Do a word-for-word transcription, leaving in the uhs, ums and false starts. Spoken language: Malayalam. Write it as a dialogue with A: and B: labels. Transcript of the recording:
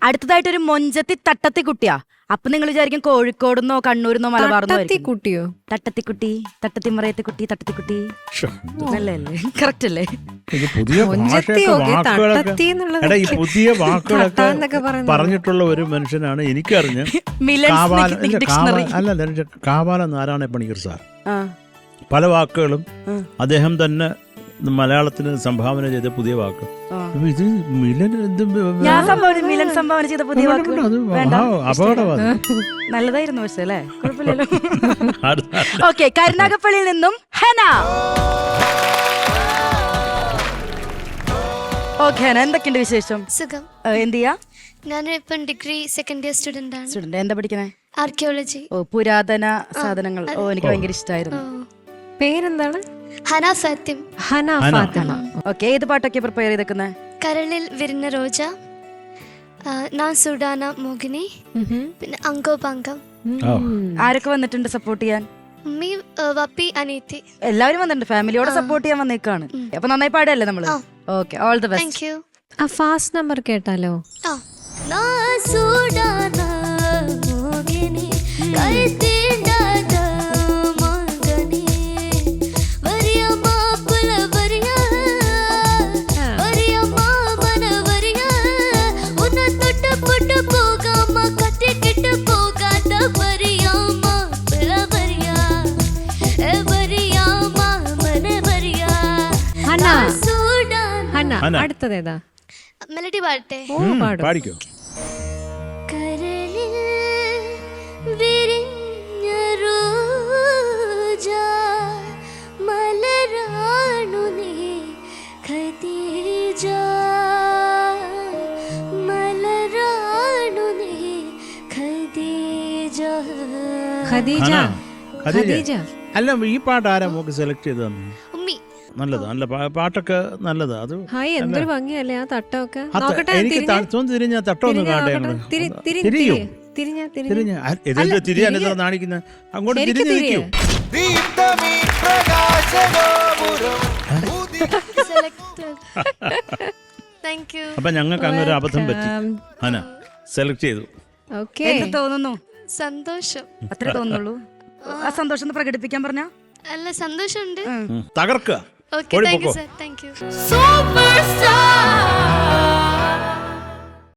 A: അടുത്തതായിട്ടൊരു മൊഞ്ചത്തി തട്ടത്തി കുട്ടിയാ. അപ്പൊ നിങ്ങൾ വിചാരിക്കും കോഴിക്കോടുന്നോ കണ്ണൂരിന്നോ മലബാർന്നോ
B: കുട്ടിയോ?
A: തട്ടത്തിക്കുട്ടി, തട്ടത്തിമറയത്തെ കുട്ടി, തട്ടത്തിക്കുട്ടി. അല്ലേ കറക്റ്റ് അല്ലേ?
C: പുതിയ പുതിയ വാക്കുകളൊക്കെ പറഞ്ഞിട്ടുള്ള ഒരു മനുഷ്യനാണ് എനിക്കറിഞ്ഞ്. അല്ല, കാവാല നാരായണ പണിക്കർ സാർ പല വാക്കുകളും അദ്ദേഹം തന്നെ മലയാളത്തിന് സംഭാവന ചെയ്ത പുതിയ വാക്ക്. ഇത് മിലൻ
A: മിലൻ സംഭാവന ചെയ്ത പുതിയ വാക്ക്
C: അപകടമാണ്.
A: നല്ലതായിരുന്നു പക്ഷേ അല്ലേ, കുഴപ്പമില്ലല്ലോ. ഓക്കെ, കരുനാഗപ്പള്ളിയിൽ നിന്നും ഹന. ഓക്കെ ഹന, എന്തൊക്കെയുണ്ട് വിശേഷം?
D: സുഖം.
A: എന്ത് ചെയ്യാ?
D: ഞാനിപ്പം ഡിഗ്രി സെക്കൻഡ് ഇയർ സ്റ്റുഡന്റ് ആണ്.
A: സ്റ്റുഡന്റ് എന്താ പഠിക്കണേ?
D: ആർക്കിയോളജി.
A: ഓ, പുരാതന സാധനങ്ങൾ. ഓ, എനിക്ക് ഭയങ്കര ഇഷ്ടമായിരുന്നു.
B: പേരെന്താണ്?
D: ഹന സത്യം.
B: ഹന ഫാത്തിമ.
A: ഓക്കെ, ഏത് പാട്ടൊക്കെ പ്രിപ്പയർ ചെയ്തേക്കുന്നത്?
D: കരളിൽ വിരിഞ്ഞ റോജ, നാ സുഡാന മോഹിനി, പിന്നെ അങ്കോ പങ്കം.
A: ആരൊക്കെ വന്നിട്ടുണ്ട് സപ്പോർട്ട് ചെയ്യാൻ?
D: ഉമ്മി, വപ്പി, അനീതി,
A: എല്ലാവരും വന്നിട്ടുണ്ട്. ഫാമിലിയോടെ സപ്പോർട്ട് ചെയ്യാൻ വന്നേക്കാണ്. അപ്പൊ നന്നായി പാടല്ലേ നമ്മള്? Okay, all the best.
D: Thank you.
B: ആ ഫാസ്റ്റ് നമ്പർ കേട്ടാലോ?
D: നാ സുഡാന മോഹിനി കൈത്തിണ്ടാത മംഗനി വരിയമ്മ പുല വരിയ വരിയമ്മ മന വരിയ ഉന്ന തൊട്ട് പൊട്ട് പോകാമ കട്ടി കിട്ട് പോകാത വരിയമ്മ പുല വരിയ എ വരിയമ്മ മന വരിയ.
B: ഹന
D: സുഡാന.
B: ഹന, അടുത്തതേതാ?
D: മെലഡി പാടട്ടെ?
B: ഓ, പാടും.
C: പാടിക്കോ.
D: കരളിൽ വിരിഞ്ഞ റോജ മലരാണു നീ ഖദീജ, മലരാണു നീ ഖദീജ.
B: ഖദീജ. ഖദീജ.
C: അല്ല, ഈ പാട്ട് ആരാ മോക്ക് സെലക്ട് ചെയ്ത് തന്നെ?
D: ഉമ്മി.
C: നല്ലത്, നല്ല പാട്ടൊക്കെ നല്ലത്. അത്
B: ഹായ്, എന്തൊരു ഭംഗിയല്ലേ ആ തട്ടമൊക്കെ.
C: എനിക്ക് തിരിഞ്ഞ തട്ടൊന്നും കാണട്ടെ. തിരിയാൻ നാണിക്കുന്ന അങ്ങോട്ട് തിരിഞ്ഞു നിൽക്കൂ. അപ്പൊ ഞങ്ങൾക്ക് അങ്ങനെ ഒരു അബദ്ധം പറ്റി. ഹന സെലക്ട് ചെയ്തു.
A: എന്ത് തോന്നുന്നു?
D: സന്തോഷം.
A: അത്രേ തോന്നുള്ളൂ. ആ സന്തോഷം പ്രകടിപ്പിക്കാൻ പറഞ്ഞ?
D: അല്ല, സന്തോഷമുണ്ട്.
C: തകർക്കുക.
D: Okay, thank you, sir. Thank you. Superstar.